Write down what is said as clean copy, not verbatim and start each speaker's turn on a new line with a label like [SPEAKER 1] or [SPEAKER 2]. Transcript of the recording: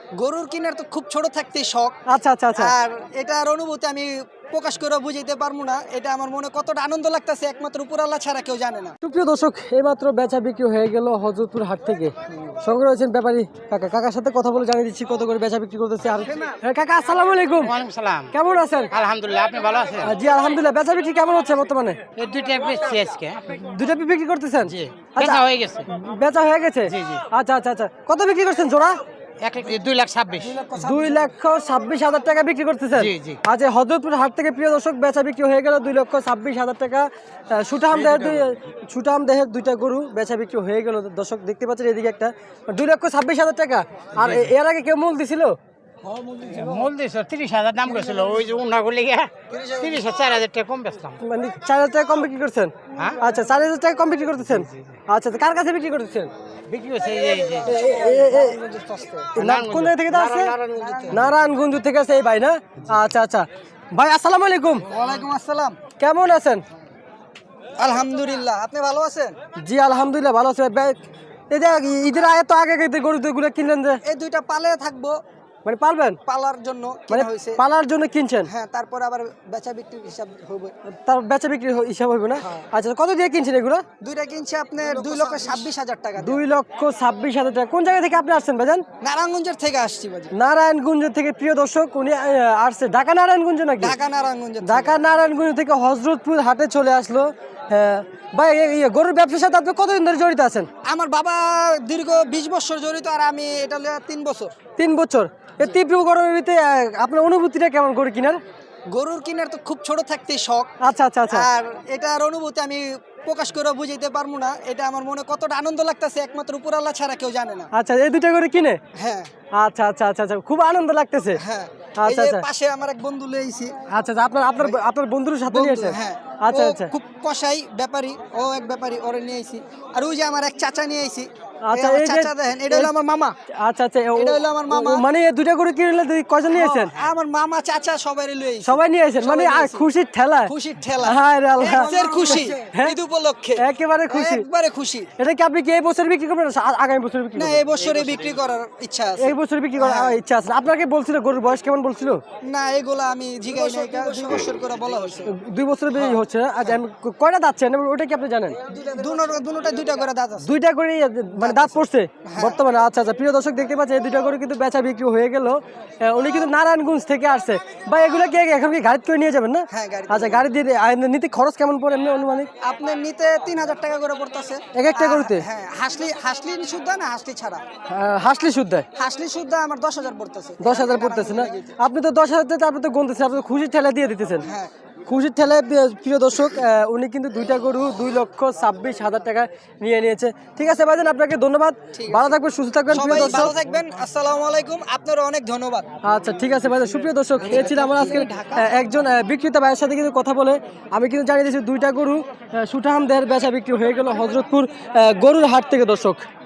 [SPEAKER 1] গরুর কিনার তো খুব ছোট থাকতেই শখ।
[SPEAKER 2] আচ্ছা আচ্ছা আচ্ছা।
[SPEAKER 1] আর এটার অনুভূতি আমি প্রকাশ করে বুঝাইতে পারবো না। এটা আমার মনে কতটা আনন্দ লাগতেছে একমাত্র উপর আল্লাহ ছাড়া কেউ জানে না।
[SPEAKER 2] সুপ্রিয় দর্শক, এইমাত্র বেচা বিক্রি হয়ে গেল হযরতপুর হাট থেকে। সঙ্গে রয়েছেন ব্যাপারী কাকা। কাকার সাথে কথা বলে জানিয়ে দিচ্ছি কত করে বেচা বিক্রি করতেছে। আর কাকা আসসালামু আলাইকুম।
[SPEAKER 3] ওয়ালাইকুম সালাম।
[SPEAKER 2] কেমন আছেন?
[SPEAKER 3] আলহামদুলিল্লাহ, আপনি ভালো আছেন?
[SPEAKER 2] জি আলহামদুলিল্লাহ। বেচা বিক্রি কেমন হচ্ছে বর্তমানে?
[SPEAKER 3] এই দুইটা বেচছি আজকে।
[SPEAKER 2] দুইটা বিক্রি করতেছেন?
[SPEAKER 3] জি,
[SPEAKER 2] আচ্ছা,
[SPEAKER 3] বেচা হয়ে গেছে।
[SPEAKER 2] বেচা হয়ে গেছে?
[SPEAKER 3] জি, জি।
[SPEAKER 2] আচ্ছা আচ্ছা আচ্ছা। কত বিক্রি করছেন জোড়া?
[SPEAKER 3] 2,26,000।
[SPEAKER 2] 2,26,000 টাকা বিক্রি করতেছেন?
[SPEAKER 3] জি, জি।
[SPEAKER 2] আজ এই হযরতপুর হাট থেকে প্রিয় দর্শক বেচা বিক্রি হয়ে গেল 2,26,000 টাকা। সুঠাম দেহের দুইটা গরু বেচা বিক্রি হয়ে গেল। দর্শক দেখতে পাচ্ছেন এদিকে একটা 2,26,000 টাকা। আর এর আগে কেউ মূল দিছিল?
[SPEAKER 3] মূল দিয়েছে 30,000 দাম করেছিল। ওই যে উন্না গুলি 30,000 4,000 টাকা কম বেচলাম।
[SPEAKER 2] মানে 4,000 টাকা কম বিক্রি করছেন?
[SPEAKER 3] হ্যাঁ।
[SPEAKER 2] আচ্ছা, 4,000 টাকা কম বিক্রি করতেছেন? আচ্ছা, কার কাছে বিক্রি করতেছেন?
[SPEAKER 3] বিক্রি হচ্ছে এই যে
[SPEAKER 2] কোন জায়গা থেকে আসছে? নারায়ণগঞ্জ থেকে আছে এই ভাই না? আচ্ছা আচ্ছা। ভাই আসসালামু আলাইকুম।
[SPEAKER 1] ওয়ালাইকুম আসসালাম।
[SPEAKER 2] কেমন আছেন?
[SPEAKER 1] আলহামদুলিল্লাহ, আপনি ভালো আছেন?
[SPEAKER 2] জি আলহামদুলিল্লাহ ভালো আছে। এই যে ঈদের আগে তো আগে গরুগুলো কিনলেন যে,
[SPEAKER 1] এই দুইটা পালে থাকবো,
[SPEAKER 2] মানে পালবেন?
[SPEAKER 1] পালার জন্য
[SPEAKER 2] মানে
[SPEAKER 1] কিনা হয়েছে।
[SPEAKER 2] পালার জন্য কিনছেন?
[SPEAKER 1] হ্যাঁ, তারপর আবার বেচা বিক্রির হিসাব হবে।
[SPEAKER 2] তার বেচা বিক্রি হিসাব হবে না? আচ্ছা, কত দিয়ে কিনছেন এগুলো?
[SPEAKER 1] দুইটা কিনছে আপনার 2,26,000 টাকা দিয়ে।
[SPEAKER 2] 2,26,000 টাকা। কোন জায়গা থেকে আপনি আসছেন ভাইজান?
[SPEAKER 1] নারায়ণগঞ্জের থেকে আসছি বাজি।
[SPEAKER 2] নারায়ণগঞ্জ থেকে। প্রিয় দর্শক, উনি আসছে ঢাকা নারায়ণগঞ্জ নাকি?
[SPEAKER 1] ঢাকা নারায়ণগঞ্জ।
[SPEAKER 2] ঢাকা নারায়ণগঞ্জ থেকে হযরতপুর হাটে চলে আসলো। হ্যাঁ ভাই, গরুর ব্যবসার সাথে আপনি কতদিন ধরে জড়িত আছেন?
[SPEAKER 1] আমার বাবা দীর্ঘ 20 বছর জড়িত, আর আমি এটা 3 বছর।
[SPEAKER 2] 3 বছর। এই তীব্র গরমিতে আপনার অনুভূতিটা কেমন গরু কিনার?
[SPEAKER 1] গরুর কিনার তো খুব ছোট থাকতেই শখ।
[SPEAKER 2] আচ্ছা আচ্ছা আচ্ছা।
[SPEAKER 1] আর এটার অনুভূতি আমি প্রকাশ করে বুঝাইতে পারবো না। এটা আমার মনে কতটা আনন্দ লাগতেছে একমাত্র উপর আল্লাহ ছাড়া কেউ জানে না।
[SPEAKER 2] আচ্ছা, এই দুইটা করে কিনে?
[SPEAKER 1] হ্যাঁ
[SPEAKER 2] আচ্ছা আচ্ছা আচ্ছা আচ্ছা, খুব আনন্দ লাগতেছে।
[SPEAKER 1] হ্যাঁ।
[SPEAKER 2] আচ্ছা
[SPEAKER 1] এই যে
[SPEAKER 2] আচ্ছা
[SPEAKER 1] পাশে আমার এক বন্ধু লইছি।
[SPEAKER 2] আচ্ছা আচ্ছা। আপনার বন্ধুর সাথে নিয়ে এসেছেন?
[SPEAKER 1] হ্যাঁ।
[SPEAKER 2] আচ্ছা
[SPEAKER 1] ও
[SPEAKER 2] আচ্ছা
[SPEAKER 1] খুব কসাই ব্যাপারী, ও এক ব্যাপারী, ওরে নিয়ে আইছি। আর ওই যে আমার এক চাচা নিয়ে আইছি।
[SPEAKER 2] আচ্ছা,
[SPEAKER 1] এই
[SPEAKER 2] এই যে
[SPEAKER 1] চাচা দেখেন, এটা হলো আমার মামা।
[SPEAKER 2] আচ্ছা আচ্ছা,
[SPEAKER 1] এটা হলো আমার মামা।
[SPEAKER 2] মানে এই দুইটা করে কিনলে কয়জন নিয়েছেন?
[SPEAKER 1] আমার মামা চাচা সবাই লই আইছি।
[SPEAKER 2] সবাই নিয়ে এসেছেন? মানে
[SPEAKER 1] সবাই নিয়েছি।
[SPEAKER 2] খুশির ঠেলা?
[SPEAKER 1] খুশির ঠেলা।
[SPEAKER 2] হায় রে আল্লাহ।
[SPEAKER 1] এর খুশি।
[SPEAKER 2] হ্যাঁ?
[SPEAKER 1] ঈদ উপলক্ষে
[SPEAKER 2] একেবারে খুশি।
[SPEAKER 1] একবারে খুশি।
[SPEAKER 2] এটা কি আপনি কি এই বছর বিক্রি করবেন না আগামী বছর বিক্রি
[SPEAKER 1] না,
[SPEAKER 2] করবেন?
[SPEAKER 1] এই বছরে বিক্রি করার ইচ্ছা আছে।
[SPEAKER 2] এই বছর বিক্রি করার ইচ্ছা আছে। আপনাকে বলছিল গরুর বয়স কেমন বলছিল?
[SPEAKER 1] না, এগুলা আমি জিগাই নাই, 2 বছর করে বলা হয়েছে।
[SPEAKER 2] 2 বছর বেশি হচ্ছে না? আচ্ছা, কয়টা দাঁত চান ওটা কি আপনি জানেন?
[SPEAKER 1] দুটোটা দুইটা করে দাঁত আছে।
[SPEAKER 2] দুইটা করে মানে দাঁত পড়ছে বর্তমানে? আচ্ছা আচ্ছা। প্রিয় দর্শক দেখতে পাচ্ছেন এই দুইটা করে কিন্তু বেচা বিক্রি হয়ে গেল। উনি কিন্তু নারায়ণগঞ্জ থেকে আসছে। বা এগুলো কি এখন কি গাড়ি করে নিয়ে যাবেন না?
[SPEAKER 1] হ্যাঁ, গাড়ি।
[SPEAKER 2] আচ্ছা, গাড়ি দিয়ে নিতে খরচ কেমন পড়ে এমনি অনুমানিক?
[SPEAKER 1] আপনার নিতে 3,000 টাকা করে পড়তেছে
[SPEAKER 2] এক একটা গরুতে?
[SPEAKER 1] হ্যাঁ, হাসলি শুদ্ধ না হাসলি ছাড়া?
[SPEAKER 2] হাসলি শুদ্ধ?
[SPEAKER 1] হাসলি শুদ্ধ আমার 10,000 পড়তেছে।
[SPEAKER 2] 10,000 পড়তেছে না? আপনি তো 10,000 টাকা আপনি তো গুনতেছেন, আপনি তো খুশির ঠেলা দিয়ে দিতেছেন।
[SPEAKER 1] হ্যাঁ।
[SPEAKER 2] খুশির ঠেলায় প্রিয় দর্শক, উনি কিন্তু দুইটা গরু 2,26,000 টাকা নিয়ে নিয়েছে। ঠিক আছে ভাইজান, আপনাকে ধন্যবাদ। ভালো থাকবেন, সুস্থ থাকবেন প্রিয়
[SPEAKER 1] সবাই
[SPEAKER 2] দর্শক।
[SPEAKER 1] ভালো থাকবেন। আসসালামু আলাইকুম। আপনারও অনেক ধন্যবাদ।
[SPEAKER 2] আচ্ছা ঠিক আছে ভাইজান। সুপ্রিয় দর্শক, এই ছিল আমার আজকে একজন বিক্রেতা ভাইয়ের সাথে কিন্তু কথা বলে আমি কিন্তু জানিয়ে দিয়েছি দুইটা গরু সুঠাম দেহের বেচা বিক্রি হয়ে গেল হযরতপুর গরুর হাট থেকে দর্শক।